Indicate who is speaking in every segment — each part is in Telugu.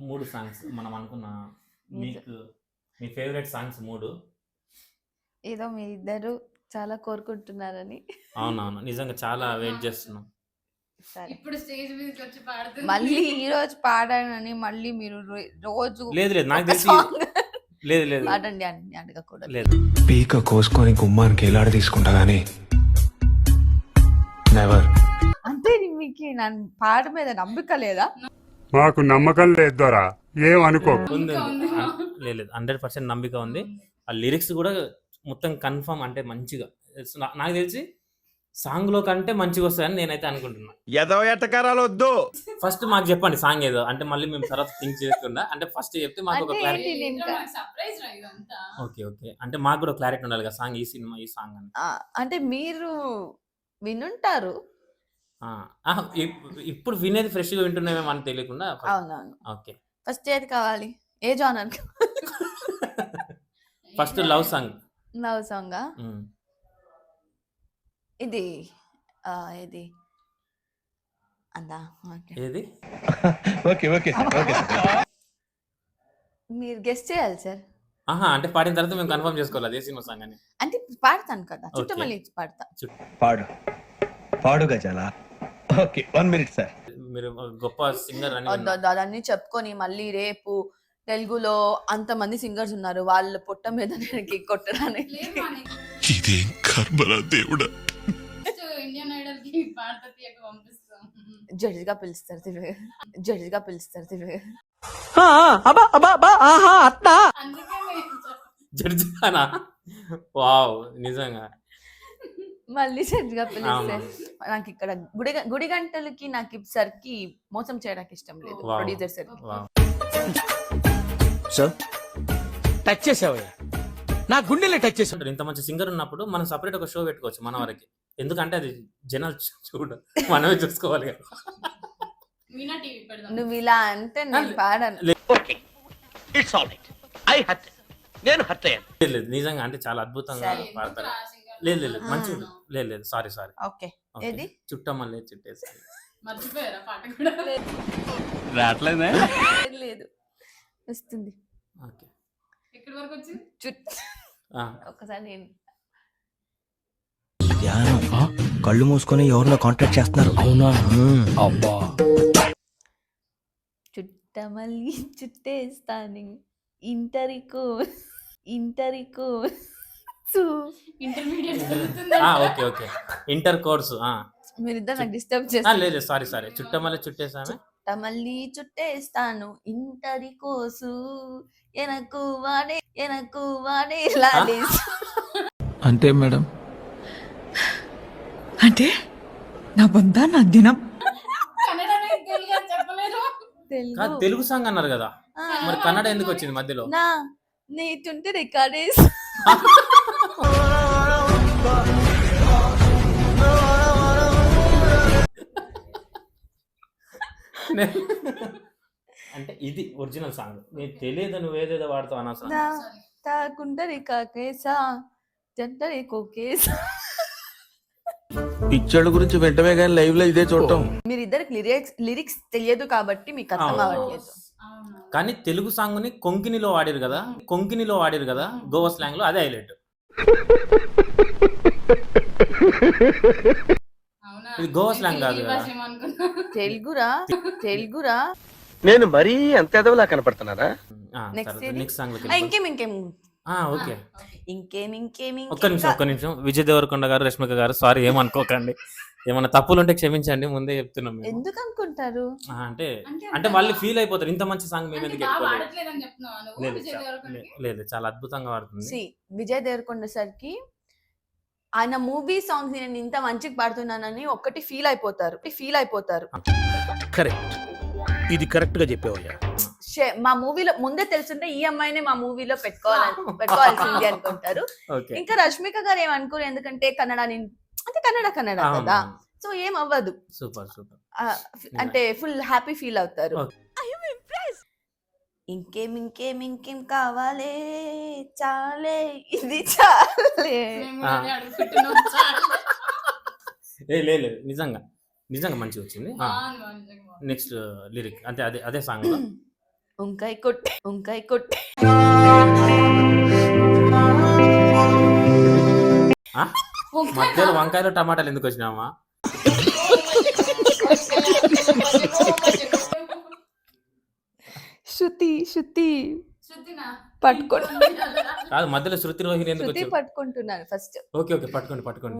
Speaker 1: 3 సాంగ్స్ మనం అనుకున్న మీకు మీ ఫేవరెట్ సాంగ్స్ 3.
Speaker 2: ఏదో మీ ఇద్దరు చాలా కోరుకుంటున్నారని.
Speaker 1: అవునవును. నిజంగా చాలా వెయిట్ చేస్తున్నాం.
Speaker 2: సరే.
Speaker 3: ఇప్పుడు స్టేజ్ మీదకి వచ్చి పాడుతుంది.
Speaker 2: మళ్ళీ ఈ రోజు పాడానని మళ్ళీ మీరు రోజు
Speaker 1: లేదు లేదు నాకు
Speaker 2: ఒక
Speaker 1: తెలిసి
Speaker 2: సాంగ్
Speaker 1: లేదు లేదు
Speaker 2: పాడండి అని అడగకూడదు.
Speaker 1: లేదు.
Speaker 4: పీక కోసుకొని గుమ్మానికి ఎలాడ తీసుకుంటా గానీ నెవర్.
Speaker 2: అంతే మీకు నా పాట మీద నమ్మకం లేదా?
Speaker 5: మాకు నమ్మకం లేదు దొరా, ఏం అనుకో.
Speaker 1: ఉంది లేదు 100% నమ్మిక ఉంది. ఆ లిరిక్స్ కూడా మొత్తం కన్ఫర్మ్, అంటే మంచిగా నాకు తెలిసి సాంగ్ లో కంటే మంచిగా వస్తాయని నేనైతే అనుకుంటున్నా.
Speaker 6: ఏదో ఎట్టకారాలు వద్దు.
Speaker 1: ఫస్ట్ మాకు చెప్పండి సాంగ్ ఏదో, అంటే మళ్ళీ మేము తర్వాత థింక్ చేయకుండా, అంటే ఫస్ట్ చెప్తే మాకు ఒక
Speaker 2: అంటే
Speaker 1: క్లారిటీ.
Speaker 2: ఏంటి నేను
Speaker 3: సర్ప్రైజ్ రా ఇదంతా.
Speaker 1: ఓకే ఓకే, అంటే మాకు కూడా క్లారిటీ ఉండాలి కదా సాంగ్, ఈ సినిమా ఈ సాంగ్ అని.
Speaker 2: అంటే మీరు వినుంటారు.
Speaker 1: ఇప్పుడు వినేది ఫ్రెష్ గా వింటున్నామేమో అని తెలియకుండా.
Speaker 2: అవునవును.
Speaker 1: ఓకే,
Speaker 2: ఫస్ట్ ఏది కావాలి? ఏ genre?
Speaker 1: First love song.
Speaker 2: Love సాంగా? ఇది ఇది అందా?
Speaker 1: ఏది?
Speaker 6: Okay okay okay.
Speaker 2: మీరు గెస్ట్ చేయాలి సార్.
Speaker 1: అంటే పాడిన తర్వాత మేము కన్ఫర్మ్ చేసుకోవాలి అదే సినిమా సాంగ్ అని.
Speaker 2: అంటే పాడతాను కదా, చుట్టమల్లి పాడతా.
Speaker 6: పాడు పాడు గజాల. Okay 1 minute sir.
Speaker 1: మీరు గొప్ప సింగర్ అని
Speaker 2: అదన్నీ చెప్పుకొని మళ్ళీ రేపు తెలుగులో అంతమంది సింగర్స్ ఉన్నారు, వాళ్ళ పుట్ట మీద నేను కొట్టడానికి.
Speaker 4: ఇదేం కర్మరా దేవుడా.
Speaker 3: ఇండియన్ ఐడల్ కి పాడతీ పంపిస్తాం.
Speaker 2: జడ్జిగా పిలుస్తారు తిరిగి, జడ్జిగా పిలుస్తారు తిరిగి.
Speaker 3: అందుకే మేము
Speaker 1: జడ్జినా? వావ్, నిజంగా
Speaker 2: మళ్ళీ జడ్జిగా పిలిస్తే నాకు ఇక్కడ గుడి గంటలకి నాకు సరికి మోసం చేయడానికి ఇష్టం లేదు.
Speaker 1: Wow.
Speaker 2: Producer sir
Speaker 1: wow.
Speaker 7: Sir touch చేసావయ్యా, నా గుండెలే టచ్ చేసావు.
Speaker 1: ఇంత మంచి సింగర్ ఉన్నప్పుడు మనం సపరేట్ ఒక షో పెట్టుకోవచ్చు మన వరకు. ఎందుకంటే అది జనాలు చూడ, మనమే చూసుకోవాలి కదా.
Speaker 3: మీనా టీవీ పెడదాం.
Speaker 2: నువ్వు ఇలా అంటే నేను పాడాను.
Speaker 7: Okay it's all right. I hurt, నేను హర్ట్ అయ్యాను.
Speaker 1: లేదు లేదు, నిజంగా అంటే చాలా అద్భుతంగా
Speaker 2: సరే.
Speaker 1: పాడతారు. లేదు లేదు మంచిగా లేదు లేదు, సారీ
Speaker 2: ఓకే. ఏది?
Speaker 1: చుట్టమల్లే చుట్టేసి.
Speaker 3: మర్చిపోయారా పాట కూడా?
Speaker 7: రావట్లేదే.
Speaker 2: లేదు, వస్తుంది.
Speaker 1: ఓకే,
Speaker 3: ఎక్కడి వరకు వచ్చింది?
Speaker 2: ఒకసారి నేను
Speaker 7: కళ్ళు మూసుకొని ఎవరినో కాంటాక్ట్ చేస్తున్నారు. అవునా? అబ్బా.
Speaker 2: చుట్టమల్లి చుట్టేస్తాను ఇంటరికో ఇంటరికో
Speaker 3: intermediate
Speaker 1: okay okay, inter course.
Speaker 2: మీరిద్దరు నాకు డిస్టర్బ్ చేస్తారు.
Speaker 1: లేదు సారీ చుట్టమల్లే చుట్టేసామే.
Speaker 2: చుట్టమల్లి చుట్టేస్తాను ఇంటరి కోసు ఎనకు వాడే లాడేసు.
Speaker 4: అంటే మేడం,
Speaker 8: అంటే నా బొంద నా దినం.
Speaker 3: కన్నడనే తెలుగు అని చెప్పలేదు.
Speaker 2: తెలుగు
Speaker 1: తెలుగు సాంగ్ అన్నారు కదా,
Speaker 2: ఆ,
Speaker 1: మరి కన్నడ ఎందుకు వచ్చింది మధ్యలో?
Speaker 2: నా నీటుంటే రికార్డేస్.
Speaker 1: అంటే ఇది ఒరిజినల్ సాంగ్. నీకు తెలియదు, నువ్వు ఏదేదో వాడుతావు అనవసరం.
Speaker 2: నా తాకుంటే రికాకేసా జంటరి కోకేసా.
Speaker 6: పిక్చర్ల గురించి వెంటనే కానీ లైవ్ లో ఇదే చూడటం.
Speaker 2: మీరిద్దరికి లిరిక్స్ తెలియదు కాబట్టి మీకు అర్థం అవ్వట్లేదు.
Speaker 3: అవును.
Speaker 1: కానీ తెలుగు సాంగ్ ని కొంకినిలో వాడారు కదా, గోవా స్లాంగ్ లో, అదే హైలైట్.
Speaker 3: అవునా?
Speaker 1: ఇది గోవా స్లాంగ్ కాదు
Speaker 3: ఈ
Speaker 1: కదా.
Speaker 3: భాష ఏమనుకున్నా?
Speaker 2: తెలుగురా.
Speaker 7: నేను మరీ అంత ఎదవలా కనపడుతున్నారా?
Speaker 2: నెక్స్ట్
Speaker 1: నెక్స్ట్ సాంగ్
Speaker 2: ఇంకేం
Speaker 1: ఓకే.
Speaker 2: ఇంకేం
Speaker 1: ఒక్క నిమిషం విజయ్ దేవరకొండ గారు, రష్మిక గారు, సారీ ఏమనుకోకండి, ఏమన్నా తప్పులు ఉంటే క్షమించండి, ముందే చెప్తున్నాం మేము.
Speaker 2: ఎందుకు అనుకుంటారు?
Speaker 1: అంటే వాళ్ళు ఫీల్ అయిపోతారు, ఇంత మంచి సాంగ్ మేము
Speaker 3: అంటే
Speaker 1: ఎందుకు
Speaker 3: బాగా
Speaker 1: ఎత్తుకోలేదు.
Speaker 3: పాడట్లేదని చెప్తున్నావా నువ్వు?
Speaker 1: లేదు
Speaker 3: విజయ్ దేవరకొండకి?
Speaker 1: లేదు, చాలా అద్భుతంగా వాడుతుంది.
Speaker 2: విజయ్ దేవరకొండ సార్కి ఆయన మూవీ సాంగ్స్ నేను ఇంత మంచిగా పాడుతున్నానని ఒక్కటి ఫీల్ అయిపోతారు.
Speaker 7: కరెక్ట్, ఇది కరెక్ట్ గా చెప్పావయ్యా.
Speaker 2: మా మూవీలో ముందే తెలుసుంటే ఈ అమ్మాయిని మా మూవీలో పెట్టుకోవాల్సింది అనుకుంటారు.
Speaker 1: ఓకే,
Speaker 2: ఇంకా రష్మిక గారు ఏమనుకోరు, ఎందుకంటే కన్నడ కదా, సో ఏం అవ్వదు.
Speaker 1: సూపర్.
Speaker 2: అంటే ఫుల్ హ్యాపీ ఫీల్ అవుతారు.
Speaker 1: Okay.
Speaker 2: ఇంకేం కావాలే, చాలే ఇది చాలే.
Speaker 3: మేము అదే అడుగుతున్నాం. చాలు.
Speaker 1: లేదు నిజంగా మంచిగా వచ్చింది.
Speaker 3: బాగుంది, నిజంగా బాగుంది.
Speaker 1: నెక్స్ట్ లిరిక్ అంటే అదే సాంగ్ లో
Speaker 2: వంకాయ కొట్టి
Speaker 1: ఆ? మధ్యలో వంకాయలు టమాటాలు ఎందుకు వచ్చినామా?
Speaker 2: శృతి
Speaker 3: శృతినా?
Speaker 2: పట్టుకోండి.
Speaker 1: కాదు, మధ్యలో శృతి రోహిణి ఎందుకు
Speaker 2: శృతి
Speaker 1: వచ్చావు?
Speaker 2: పట్టుకుంటున్నాను ఫస్ట్.
Speaker 1: ఓకే ఓకే, పట్టుకోండి.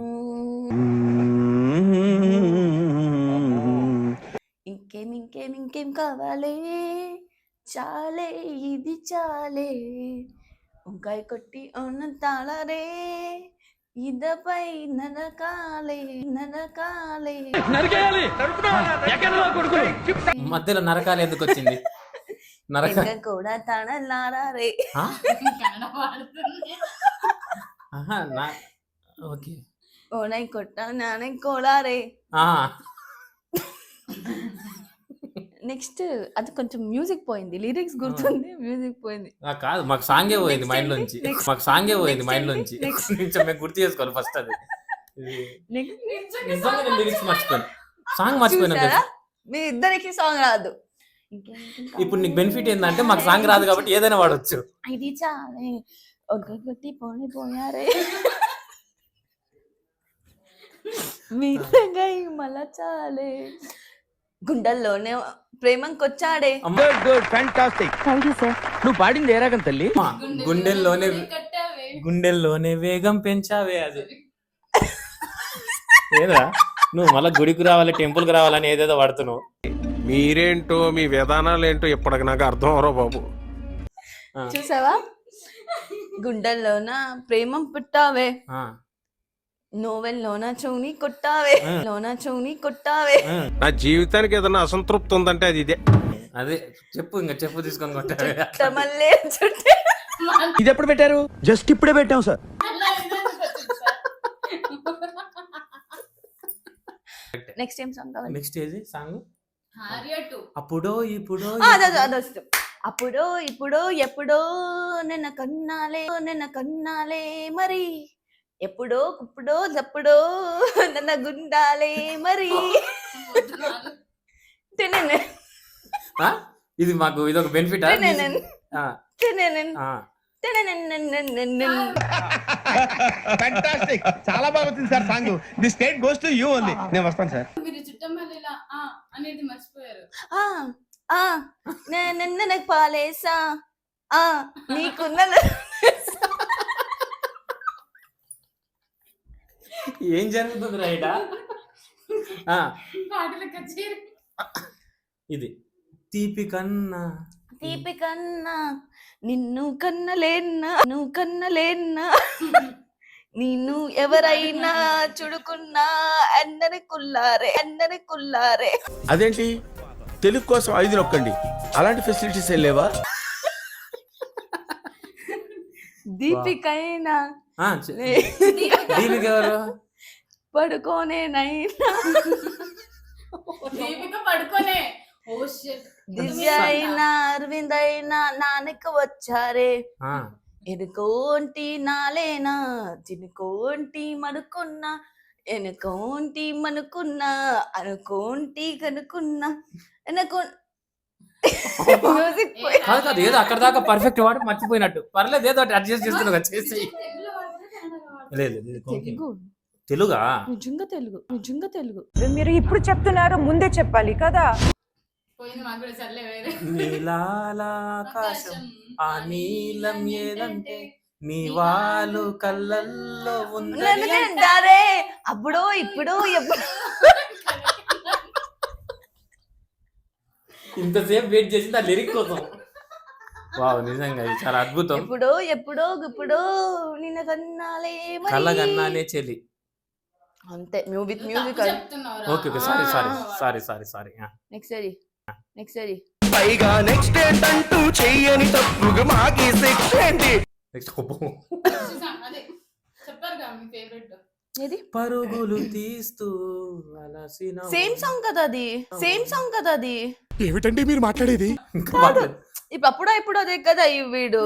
Speaker 2: ఇంకేం కావాలే, చాలే ఇది చాలే, వంకాయ కొట్టి ఉన్న తాళరే, ఇదపై నరకాలే.
Speaker 1: మధ్యలో నరకాలు ఎందుకు వచ్చింది? నరక
Speaker 2: ఇంకా కూడా తడలారే.
Speaker 1: ఆ?
Speaker 3: కన్నడ పాడుతుంది.
Speaker 1: ఆహా, ఓకే.
Speaker 2: ఓనై కొట్ట నానై కోలారే.
Speaker 1: ఆ,
Speaker 2: నెక్స్ట్ అది కొంచెం మ్యూజిక్ పోయింది, లిరిక్స్ గుర్తుంది, మ్యూజిక్ పోయింది.
Speaker 1: కాదు, మాకు సాంగే పోయింది
Speaker 2: Next
Speaker 1: మైండ్
Speaker 2: ఏంటి?
Speaker 1: లోంచి.
Speaker 2: Next.
Speaker 1: మాకు సాంగే పోయింది
Speaker 2: Next
Speaker 1: మైండ్
Speaker 2: ఏంటి?
Speaker 1: లోంచి.
Speaker 2: Next.
Speaker 1: కొంచెం మేము గుర్తు చేసుకోవాలి ఫస్ట్ అది.
Speaker 2: నెక్స్ట్
Speaker 1: నిజంగా నేను లిరిక్స్ మర్చిపోయాను, సాంగ్ మర్చిపోయినా.
Speaker 2: చూసారా, మీ ఇద్దరికి సాంగ్ రాదు.
Speaker 1: ఇప్పుడు నీకు బెనిఫిట్ ఏంటంటే మాకు సాంగ్ రాదు కాబట్టి ఏదైనా వాడచ్చు.
Speaker 2: ఇది చాలే, ఒక్కొక్కటి పోయారే, మీరంగా మళ్ళా చాలే, గుండెల్లోనే ప్రేమంకొచ్చాడే.
Speaker 7: Good fantastic.
Speaker 2: Thank you sir.
Speaker 7: నువ్వు పాడింది ఏ రాగం తల్లి?
Speaker 1: గుండెల్లోనే వేగం పెంచావే. అది ఏదా, నువ్వు మళ్ళీ గుడికి రావాలి, టెంపుల్ కి రావాలని ఏదేదో వాడుతున్నావు.
Speaker 9: మీరేంటో మీ విధానాలు ఏంటో ఇప్పటికి నాకు అర్థం అవరో బాబు.
Speaker 2: చూసావా, గుండెల్లోన ప్రేమం పుట్టావే,
Speaker 1: ఆ,
Speaker 2: నోవెల్లోన చౌని కొట్టావే.
Speaker 9: నా జీవితానికి ఏదైనా అసంతృప్తి ఉందంటే అది ఇదే.
Speaker 1: అదే చెప్పు తీసుకొని కొట్టావే.
Speaker 2: మళ్ళీ చుట్టే.
Speaker 7: ఇది ఎప్పుడు పెట్టారు? జస్ట్ ఇప్పుడే పెట్టాం సార్.
Speaker 2: నెక్స్ట్ ఏం సాంగ్ కావాలి?
Speaker 1: నెక్స్ట్ ఏది సాంగ్?
Speaker 3: హారియా 2.
Speaker 1: అప్పుడో ఇప్పుడో
Speaker 2: అదొస్తుంది. అప్పుడో ఇప్పుడో ఎప్పుడో నిన్న కన్నాలే మరి, ఎప్పుడో ఇప్పుడో ఎప్పుడో నన్న గుండాలే మరి.
Speaker 1: ఆ? ఇది మాకు ఇదొక బెనిఫిట్.
Speaker 6: ఫ్యాంటాస్టిక్, చాలా బాగా వచ్చింది sir song. The state goes to you only. నేను వస్తాను సార్.
Speaker 3: మీరు చుట్టమల్లిలా అనేది మర్చిపోయారు.
Speaker 2: నేను పాలేసా నీకున్న
Speaker 1: ఏం జరుగుతుంది రైట్?
Speaker 3: పాటల కచేరీ.
Speaker 1: ఇది తీపి కన్నా
Speaker 2: నిన్ను కన్నలేన్నా నిన్ను ఎవరైనా చుడుకున్నా అందరి కుల్లారే.
Speaker 9: అదేంటి, తెలుగు కోసం 5 నొక్కండి, అలాంటి ఫెసిలిటీస్ ఏం లేవా?
Speaker 2: దీపికైనా
Speaker 1: ఆ, దీనికి ఎవరు?
Speaker 2: పడుకోనేనైనా
Speaker 3: దీపిక పడుకోనే. Oh shit.
Speaker 2: దివ్య అయినా అరవింద్ అయినా నాన్నకి వచ్చారే,
Speaker 1: ఆ,
Speaker 2: ఎనుకోంటి నాలేనా చినుకోంటి మనుకున్నా, ఎనుకోంటి మనుకున్నా అనుకోంటి కనుకున్నా మ్యూజిక్
Speaker 1: కాదు ఏదో అక్కడ దాకా పర్ఫెక్ట్ వాడు మర్చిపోయినట్టు. పర్లేదు, ఏదో అడ్జస్ట్ చేస్తున్నావు చేసి.
Speaker 3: తెలుగులో వాడితే కన్నడ వాడతారు.
Speaker 1: లేదు
Speaker 2: తెలుగు,
Speaker 1: తెలుగా?
Speaker 2: నిజంగా తెలుగు.
Speaker 8: మీరు ఇప్పుడు చెప్తున్నారు, ముందే చెప్పాలి కదా.
Speaker 3: పోయింది మాకు కూడా, సర్లే వేరే.
Speaker 1: నీలాకాశం ఆ నీలం ఏదంటే నీ వాళ్ళు కళ్ళల్లో ఉంది.
Speaker 2: దారే అప్పుడో ఇప్పుడో ఎప్పుడు
Speaker 1: ఇంతసేపు వెయిట్ చేసింది ఆ లిరిక్ కోసం. వావ్, నిజంగా ఇది చాలా అద్భుతం.
Speaker 2: ఎప్పుడో నిన్న కన్నాలే మరి.
Speaker 1: కళ్ళగన్నానే చెలి.
Speaker 2: అంతే, విత్ మ్యూజిక్.
Speaker 3: చెప్తున్నావురా.
Speaker 1: Okay sorry.
Speaker 2: నెక్స్ట్ అది
Speaker 7: పైగా నెక్స్ట్ ఏంటంటూ చెయ్యని తప్పుగా మాకి శిక్ష ఏంటి?
Speaker 1: నెక్స్ట్
Speaker 3: అదే చెప్పారుగా మీ ఫేవరెట్.
Speaker 2: ఏది?
Speaker 1: పరుగులు తీస్తూ అలసిన
Speaker 2: సేమ్ సాంగ్ కదా అది.
Speaker 9: ఏమిటండి మీరు మాట్లాడేది?
Speaker 1: ఇంకా మాట్లాడు.
Speaker 2: ఇప్పుడు ఇప్పుడు అదే కదా ఈ వీడు.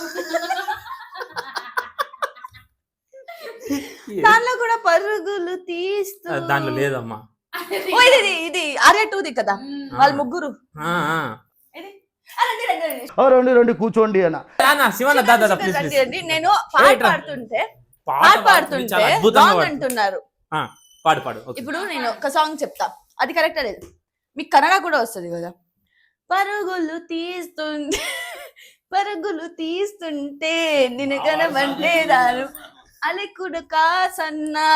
Speaker 2: దానిలో కూడా పరుగులు తీస్తూ.
Speaker 1: దాంట్లో లేదమ్మా.
Speaker 2: ఓ, ఇది ఆర్యా 2ది కదా, వాళ్ళ ముగ్గురు.
Speaker 1: ఆ, ఆ.
Speaker 2: రండి, రండి, రండి.
Speaker 6: రెండు రెండు కూర్చోండి అన్న.
Speaker 1: శివన్న దాదా ప్లీజ్
Speaker 2: రండి,
Speaker 1: ప్లీజ్
Speaker 2: రండి. నేను పాట పాడుతుంటే
Speaker 1: చాలా అద్భుతంగా
Speaker 2: రాంగ్
Speaker 1: పాడు.
Speaker 2: అంటున్నారు.
Speaker 1: పాడు పాడు ఓకే.
Speaker 2: ఇప్పుడు నేను ఒక సాంగ్ చెప్తా, అది కరెక్ట్ లేదు. మీకు కన్నడ కూడా వస్తుంది కదా. పరుగులు తీస్తుంటే నిన్ను కనబడలేదాను అలెకుడు కాసన్నా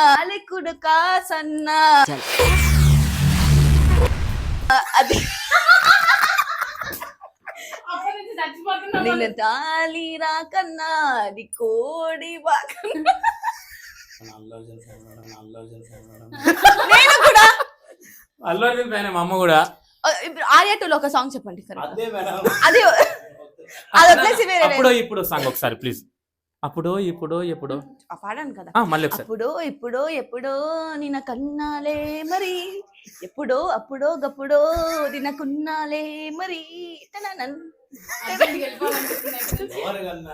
Speaker 2: అది
Speaker 3: అప్పటి నుంచి చచ్చిపోతున్నా
Speaker 2: నిన్ను తాళి రాకన్నా అది కోడి బాకన్నా. నేను కూడా
Speaker 1: అల్లు అర్జున్ ఫ్యాన్ మా అమ్మ కూడా.
Speaker 2: ఇప్పుడు ఆర్యా 2 లో ఒక సాంగ్ చెప్పండి correct.
Speaker 1: అదే మేడం.
Speaker 2: అది అది వదిలేసి వేరే
Speaker 1: అప్పుడో ఇప్పుడు సాంగ్ ఒకసారి ప్లీజ్. అప్పుడో ఇప్పుడు
Speaker 2: పాడాను కదా.
Speaker 1: మళ్ళీ ఒకసారి.
Speaker 2: ఎప్పుడో నిన్న కన్నాలే మరి, అప్పుడో గప్పుడో నిన్న కున్నాలే మరి. తననన్.
Speaker 3: అక్కడికి వెళ్ళిపోవాలనిపిస్తుంది.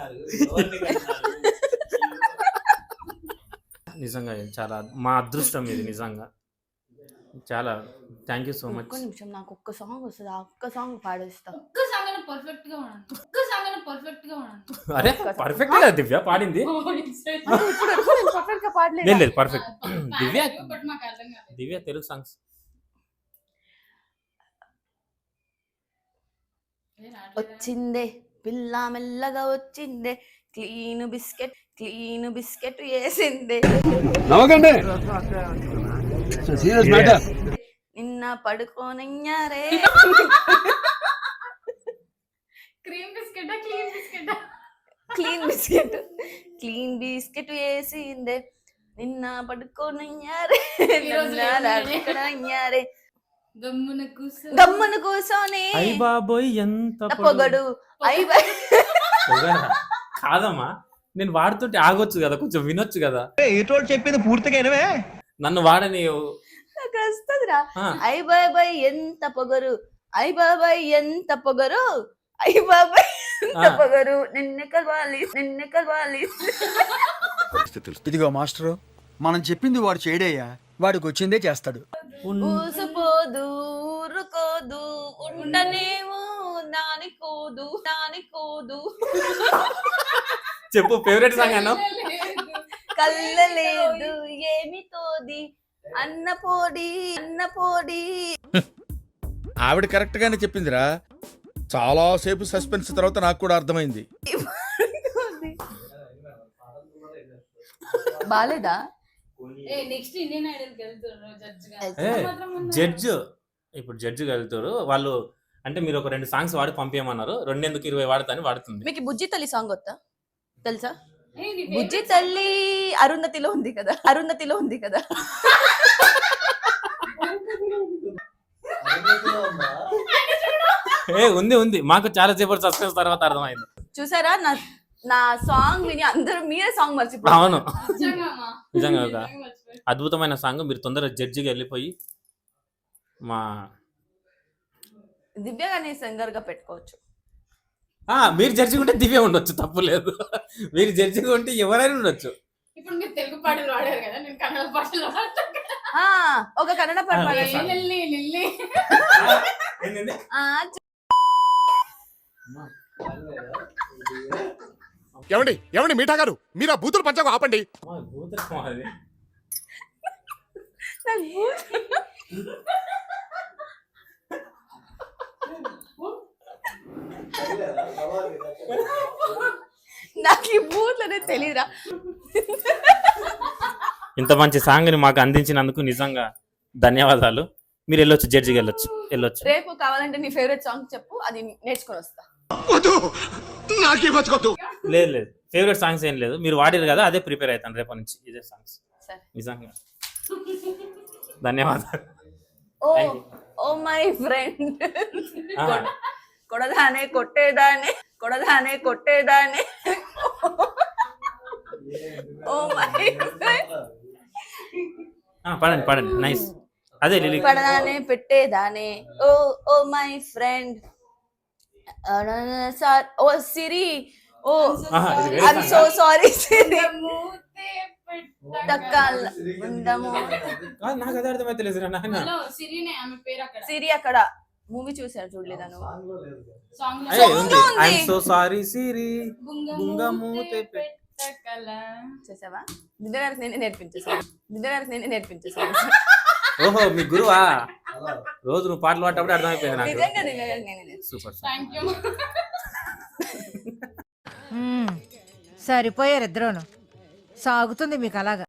Speaker 1: నిజంగా చాలా మా అదృష్టం ఇది నిజంగా. చాలా థ్యాంక్ యూ సో మచ్.
Speaker 2: ఒక్క నిమిషం, నాకు ఒక్క సాంగ్ వస్తుంది, ఆ ఒక్క సాంగ్ పాడేస్తా.
Speaker 3: ఒక్క సాంగ్ పర్ఫెక్ట్ గా ఉన్నాను.
Speaker 1: అరే పర్ఫెక్ట్ గా దివ్య పాడింది.
Speaker 2: ఇప్పుడు పర్ఫెక్ట్ గా పాడలేదు.
Speaker 1: లేదు పర్ఫెక్ట్. దివ్య
Speaker 3: బట్ మాకు అర్థం కాలేదు.
Speaker 1: దివ్య తెలుగు సాంగ్స్
Speaker 2: వచ్చిందే పిల్ల మెల్లగా వచ్చిందే, క్లీన్ బిస్కెట్ వేసిందే,
Speaker 6: నవ్వకండి. Serious matter.
Speaker 2: నిన్న పడుకోనయ్యారే.
Speaker 3: Cream biscuit clean biscuit
Speaker 2: clean biscuit వేసిందే, నిన్న పడుకోనయ్యారే, అయ్యారే. గమ్మున కూర్చొని
Speaker 1: అయ్య బాబోయ్ ఎంత
Speaker 2: పొగడు.
Speaker 1: పొగరా? కాదమ్మా, నేను వాడుతుంటే ఆగొచ్చు కదా, కొంచెం వినొచ్చు కదా.
Speaker 6: ఏటోడు చెప్పింది పూర్తిగా వినవే.
Speaker 1: నన్ను వాడని.
Speaker 2: నాకు వస్తుందిరా. అయ్య బాబాయ్ ఎంత పొగరు, అయ్య బాబాయ్ ఎంత పొగరు, అయ్య బాబాయ్ ఎంత పొగరు, నిన్ను కలవాలి.
Speaker 7: ఇదిగో మాస్టరు, మనం చెప్పింది వాడు చేయడయ్యా, వాడికి వచ్చిందే చేస్తాడు.
Speaker 2: ఊసిపోదు ఊరుకోదు ఉండనేమో నానికోదు.
Speaker 1: చెప్పు ఫేవరెట్ సాంగ్ అన్న.
Speaker 2: కళ్ళలేదు ఏమి తోది అన్న పోడి.
Speaker 9: ఆవిడ కరెక్ట్ గానే చెప్పిందిరా. చాలా సేపు సస్పెన్స్ తర్వాత నాకు కూడా అర్థమైంది.
Speaker 2: బాలేదా?
Speaker 3: నెక్స్ట్ ఇండియన్ ఐడల్ కి వెళ్తున్నారు
Speaker 1: జడ్జ్. ఇప్పుడు జడ్జిగా వెళ్తారు వాళ్ళు. అంటే మీరు ఒక 2 సాంగ్స్ వాడి పంపించమన్నారు. 2 వాడతాని వాడుతుంది.
Speaker 2: మీకు బుజ్జి తల్లి సాంగ్ వస్తా తెలుసా? బుజ్జి తల్లి అరుంధతిలో ఉంది కదా.
Speaker 1: ఉంది మాకు చాలా సేపటి సస్పెన్స్ తర్వాత అర్థమైంది.
Speaker 2: చూసారా, నా సాంగ్ విని అందరూ మీరే సాంగ్ మర్చిపోయారు.
Speaker 1: అవును నిజంగా ఒక అద్భుతమైన సాంగ్. మీరు తొందరగా జడ్జిగా వెళ్ళిపోయి మా
Speaker 2: దివ్య గారిని సింగర్ గా పెట్టుకోవచ్చు.
Speaker 1: మీరు జడ్జిగా ఉంటే దివ్య ఉండొచ్చు, తప్పు లేదు. మీరు జడ్జిగా ఉంటే ఎవరైనా ఉండొచ్చు.
Speaker 3: ఇప్పుడు మీరు తెలుగు పాటలు వాడారు కదా, నేను కన్నడ పాటలు వాడతాను.
Speaker 2: ఒక కన్నడ పాట పాడండి.
Speaker 5: ఏమండి మీఠా గారు, మీరు ఆ బూతులు పంచకు ఆపండి.
Speaker 2: నాకు ఈ బూత్లనే తెలియదురా.
Speaker 1: ఇంత మంచి సాంగ్ ని మాకు అందించినందుకు నిజంగా ధన్యవాదాలు. మీరు వెళ్ళొచ్చు, జడ్జిగా వెళ్ళొచ్చు.
Speaker 2: రేపు కావాలంటే నీ ఫేవరెట్ సాంగ్ చెప్పు, అది నేర్చుకొని వస్తా.
Speaker 1: లేదు ఫేవరెట్ సాంగ్స్ ఏం లేదు. మీరు వాడారు కదా, అదే ప్రిపేర్ అవుతాను రేపటి నుంచి. ఇదే సాంగ్స్ నిజంగా. ధన్యవాదాలు.
Speaker 2: ఓ మై ఫ్రెండ్, కొడదానే కొట్టేదానే. Oh my friend.
Speaker 1: పాడండి నైస్. అదే లిరిక్.
Speaker 2: పడదానే పెట్టేదానే. Oh my friend. Oh Siri. Oh I'm so sorry Siri.
Speaker 1: నాకు అదే అర్థమైతే లేదు.
Speaker 2: సిరి అక్కడ మూవీ చూసారు చూడలేదా నువ్వు?
Speaker 3: సాంగ్ లో
Speaker 1: అయ్యే ఉంది
Speaker 2: ఉంది.
Speaker 1: ఐఎమ్ సో సారీ సిరి
Speaker 3: బుంగ
Speaker 1: బుంగ
Speaker 3: మూతే
Speaker 1: మూతే
Speaker 3: పెట్టకల.
Speaker 2: చూసావా? దిద్దు గారికి నేనే నేర్పించేసాను.
Speaker 1: ఓహో మీ గురువా రోజు నువ్వు పాటలు పాడేటప్పుడు అర్థమైపోయింది నాకు
Speaker 2: నిజంగా దిద్దు గారికి నేనే నేర్పించాను.
Speaker 1: Super
Speaker 3: thank you.
Speaker 8: సరిపోయారు ఇద్దరును. సాగుతుంది మీకు అలాగా.